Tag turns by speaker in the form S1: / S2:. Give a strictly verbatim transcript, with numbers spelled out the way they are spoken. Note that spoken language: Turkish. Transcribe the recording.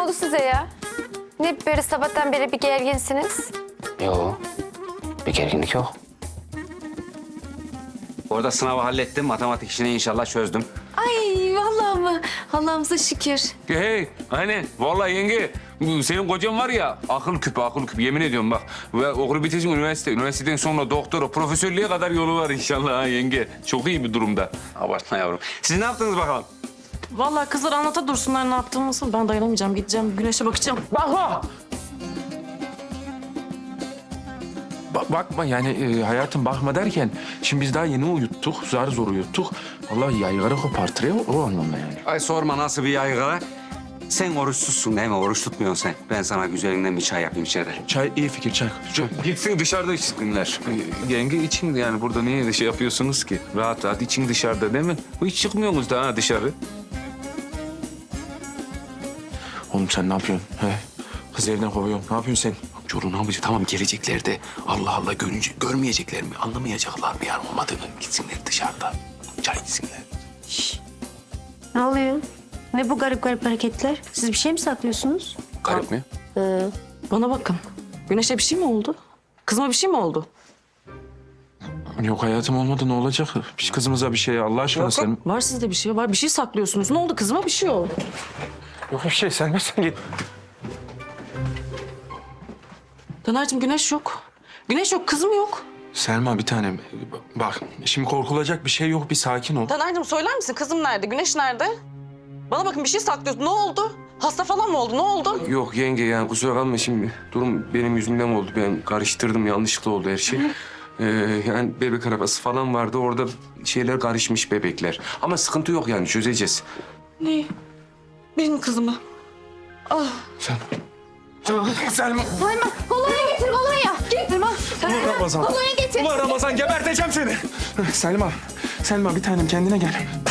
S1: oldu size ya? Ne böyle sabahtan beri bir gerginsiniz?
S2: Yok. Bir gerginlik yok. Orada sınavı hallettim. Matematik işini inşallah çözdüm.
S1: Ay vallahi mı? Allah'ımıza şükür.
S3: Hey, aynen. Vallahi yenge, senin kocan var ya, akıl küpü, akıl küpü. Yemin ediyorum bak. Ve okulu bitirecek üniversite. Üniversiteden sonra doktora, profesörlüğe kadar yolu var inşallah ha yenge. Çok iyi bir durumda.
S2: Abartma yavrum. Siz ne yaptınız bakalım?
S4: Vallahi kızlar anlata dursunlar ne yaptığımızı. Ben dayanamayacağım. Gideceğim güneşe bakacağım.
S3: Bakma! Ba- bakma yani e, hayatım bakma derken şimdi biz daha yeni uyuttuk, zar zor uyuttuk. Vallahi yaygara kopartır ya o anlamda yani.
S2: Ay sorma nasıl bir yaygara. Sen oruçsuzsun değil mi? Oruç tutmuyorsun sen. Ben sana güzelinden bir çay yapayım içeride.
S3: Çay iyi fikir çay. çay. Gitsin dışarıda içsinler. E, Yenge için yani burada niye şey yapıyorsunuz ki? Rahat rahat için dışarıda değil mi? Hiç çıkmıyorsunuz da ha dışarı. Oğlum sen ne yapıyorsun? He? Kız evden kovuyorsun. Ne yapıyorsun sen?
S5: Çoruğun amcı tamam gelecekler de Allah Allah görünce, görmeyecekler mi? Anlamayacaklar mı yani olmadığını? Gitsinler dışarıda. Çay içsinler.
S6: Ne oluyor? Ne bu garip garip hareketler? Siz bir şey mi saklıyorsunuz?
S3: Garip mi?
S4: Bana bakın. Güneşe bir şey mi oldu? Kızıma bir şey mi oldu?
S3: Yok hayatım olmadı ne olacak? Biz kızımıza bir şey Allah aşkına sen...
S4: Var sizde bir şey var. Bir şey saklıyorsunuz. Ne oldu? Kızıma bir şey oldu.
S3: Yok bir şey sen sen git.
S4: Taner'cim güneş yok. Güneş yok, kızım yok.
S3: Selma bir tanem bak şimdi korkulacak bir şey yok bir sakin ol.
S4: Taner'cim söyler misin? Kızım nerede? Güneş nerede? Bana bakın bir şey saklıyorsun. Ne oldu? Hasta falan mı oldu? Ne oldu?
S3: Yok yenge yani kusura kalma şimdi durum benim yüzümden oldu. Ben karıştırdım yanlışlıkla oldu her şey. Ee, yani bebek arabası falan vardı orada şeyler karışmış bebekler. Ama sıkıntı yok yani çözeceğiz.
S4: Ne? Benim kızımı.
S3: Sen... Selma.
S1: Selma kolonya getir kolonya. Getir bak.
S3: Ulan Ramazan.
S1: Kolonya getir.
S3: Ulan Ramazan geberteceğim seni. Selma. Selma bir tanem kendine gel.